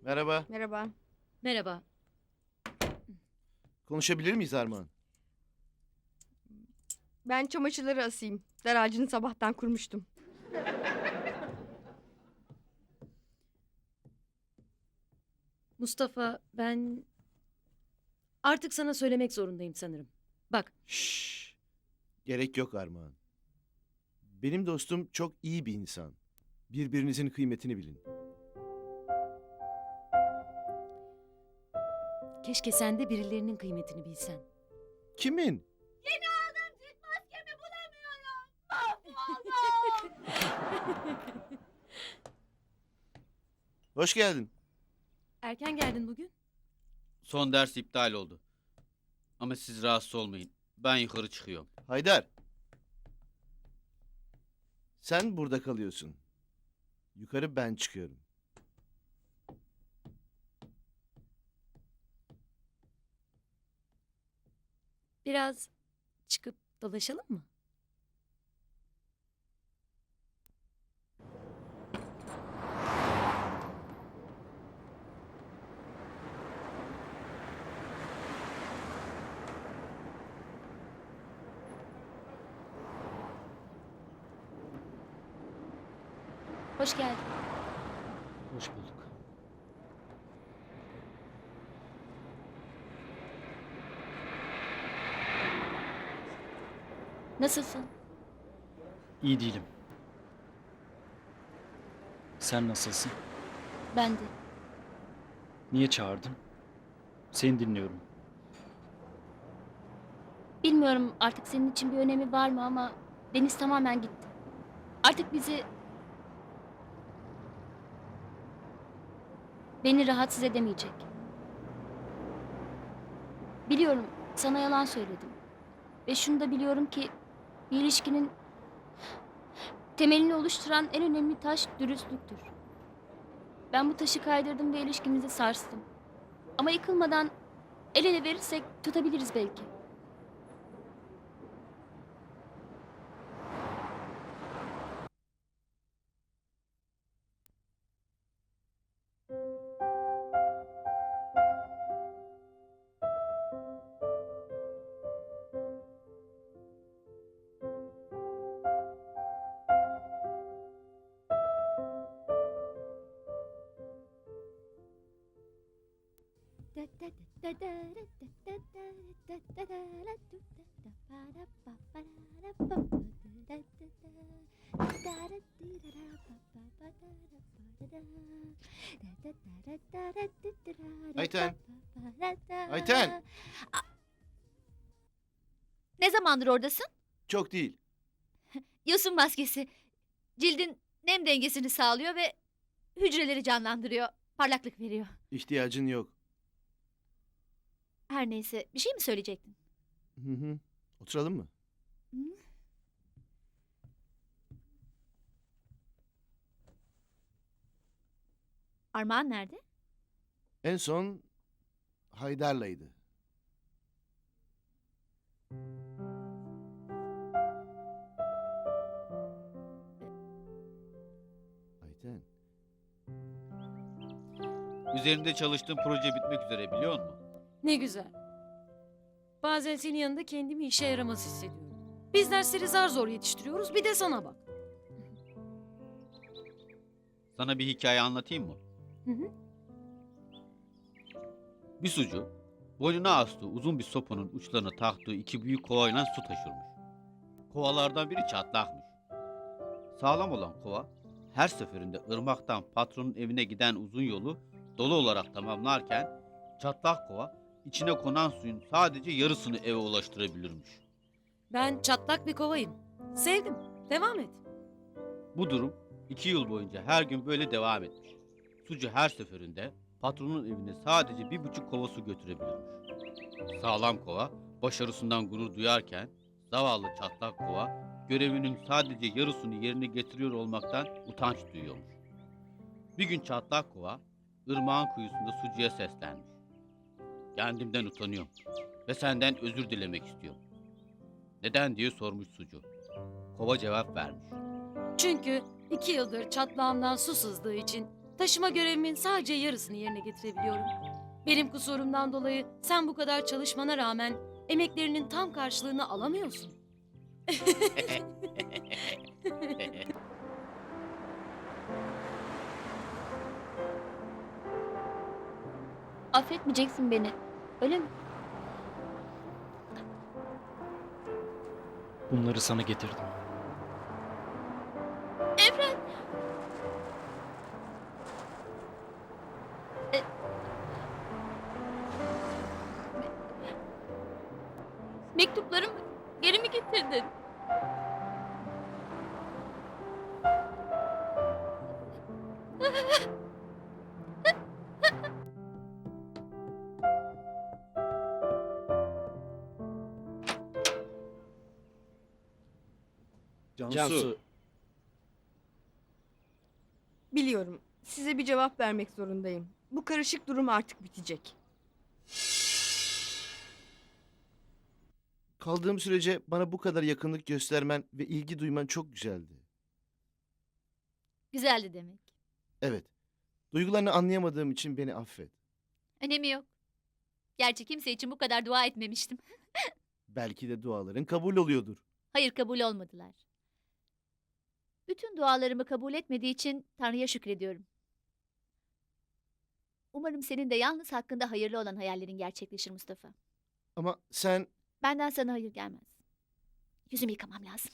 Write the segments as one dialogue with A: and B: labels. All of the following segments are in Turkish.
A: Merhaba.
B: Merhaba.
C: Merhaba.
A: Konuşabilir miyiz Armağan?
B: Ben çamaşırları asayım. Dar ağacını sabahtan kurmuştum.
C: Mustafa, ben artık sana söylemek zorundayım sanırım. Bak,
A: Şşş. Gerek yok Armağan. Benim dostum çok iyi bir insan. Birbirinizin kıymetini bilin.
C: keşke sen de birilerinin kıymetini bilsen.
A: Kimin? Hoş geldin.
C: Erken geldin bugün.
D: Son ders iptal oldu. Ama siz rahatsız olmayın. Ben yukarı çıkıyorum.
A: Haydar. Sen burada kalıyorsun. Yukarı ben çıkıyorum.
C: Biraz çıkıp dolaşalım mı?
E: Hoş geldin.
F: Hoş bulduk.
E: Nasılsın?
F: İyi değilim. Sen nasılsın?
E: Ben de.
F: Niye çağırdın? Seni dinliyorum.
E: Bilmiyorum artık senin için bir önemi var mı ama Deniz tamamen gitti. Artık beni rahatsız edemeyecek. Biliyorum sana yalan söyledim. Ve şunu da biliyorum ki bir ilişkinin temelini oluşturan en önemli taş dürüstlüktür. Ben bu taşı kaydırdım ve ilişkimizi sarstım. Ama yıkılmadan el ele verirsek tutabiliriz belki.
A: Ayten. Ayten.
G: Ne zamandır oradasın?
A: Çok değil.
G: Yosun maskesi. Cildin nem dengesini sağlıyor ve hücreleri canlandırıyor. Parlaklık veriyor.
A: İhtiyacın yok.
G: Her neyse bir şey mi söyleyecektin?
A: Hı hı. Oturalım mı?
G: Hı? Armağan nerede?
A: En son Haydar'laydı. Ayten.
D: Üzerinde çalıştığım proje bitmek üzere biliyor musun?
C: Ne güzel. Bazen senin yanında kendimi işe yaramaz hissediyorum. Biz dersleri zar zor yetiştiriyoruz, bir de sana bak.
D: Sana bir hikaye anlatayım mı?
C: Hı hı.
D: Bir sucu boynuna astığı uzun bir sopanın uçlarına taktığı iki büyük kovayla su taşırmış. Kovalardan biri çatlakmış. Sağlam olan kova her seferinde ırmaktan patronun evine giden uzun yolu dolu olarak tamamlarken çatlak kova içine konan suyun sadece yarısını eve ulaştırabilirmiş.
C: Ben çatlak bir kovayım. Sevdim. Devam et.
D: Bu durum 2 yıl boyunca her gün böyle devam etmiş. Sucu her seferinde patronun evine sadece 1,5 kova su götürebilirmiş. Sağlam kova başarısından gurur duyarken zavallı çatlak kova görevinin sadece yarısını yerine getiriyor olmaktan utanç duyuyormuş. Bir gün çatlak kova ırmağın kuyusunda sucuya seslenmiş. Kendimden utanıyorum ve senden özür dilemek istiyorum. Neden diye sormuş sucu. Kova cevap vermiş.
C: Çünkü 2 yıldır çatlağımdan su sızdığı için Taşıma görevimin sadece yarısını yerine getirebiliyorum. Benim kusurumdan dolayı sen bu kadar çalışmana rağmen emeklerinin tam karşılığını alamıyorsun.
E: Affetmeyeceksin beni. Öyle mi?
F: Bunları sana getirdim.
E: Evren! Mektuplarımı geri mi getirdin?
H: Cansu,
B: Biliyorum. Size bir cevap vermek zorundayım. Bu karışık durum artık bitecek.
A: Kaldığım sürece bana bu kadar yakınlık göstermen ve ilgi duyman çok güzeldi.
G: Güzeldi demek.
A: Evet. Duygularını anlayamadığım için beni affet.
G: Önemi yok. Gerçi kimse için bu kadar dua etmemiştim.
A: Belki de duaların kabul oluyordur.
G: Hayır, kabul olmadılar. Bütün dualarımı kabul etmediği için Tanrı'ya şükrediyorum. Umarım senin de yalnız hakkında hayırlı olan hayallerin gerçekleşir Mustafa.
A: Ama sen
G: Benden sana hayır gelmez. Yüzümü yıkamam lazım.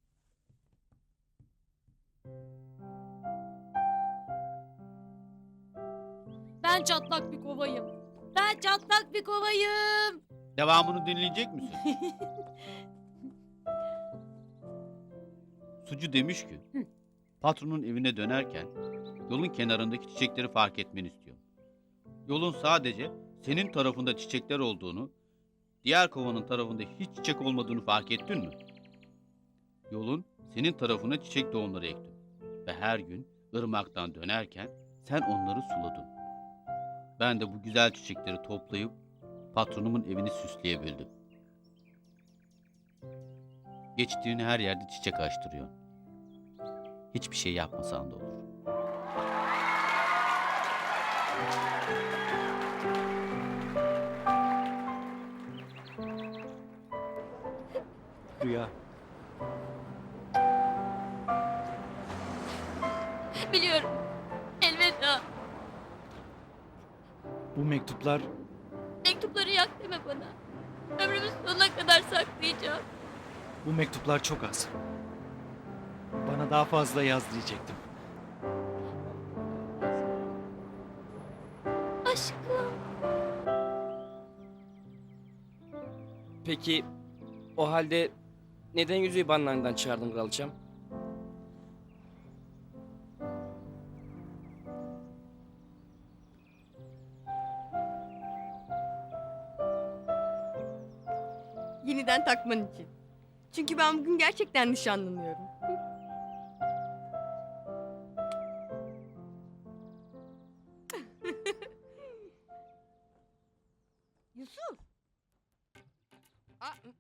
C: Ben çatlak bir kovayım. Ben çatlak bir kovayım.
D: Devamını dinleyecek misin? Sucu demiş ki, patronun evine dönerken yolun kenarındaki çiçekleri fark etmeni istiyorum. Yolun sadece senin tarafında çiçekler olduğunu, diğer kovanın tarafında hiç çiçek olmadığını fark ettin mi? Yolun senin tarafına çiçek tohumları ektim. Ve her gün ırmaktan dönerken sen onları suladın. Ben de bu güzel çiçekleri toplayıp patronumun evini süsleyebildim. Geçtiğin her yerde çiçek açtırıyor. Hiçbir şey yapmasan da olur.
F: Rüya,
E: Biliyorum. Elveda.
F: bu mektuplar
E: Mektupları yak deme bana. Ömrümün sonuna kadar saklayacağım.
F: Bu mektuplar çok az. Bana daha fazla yaz diyecektim.
E: Aşkım.
H: peki o halde neden yüzüğü banlarından çıkardın kraliçem?
B: Yeniden takman için. Çünkü ben bugün gerçekten nişanlanıyorum. Yusuf. Aa,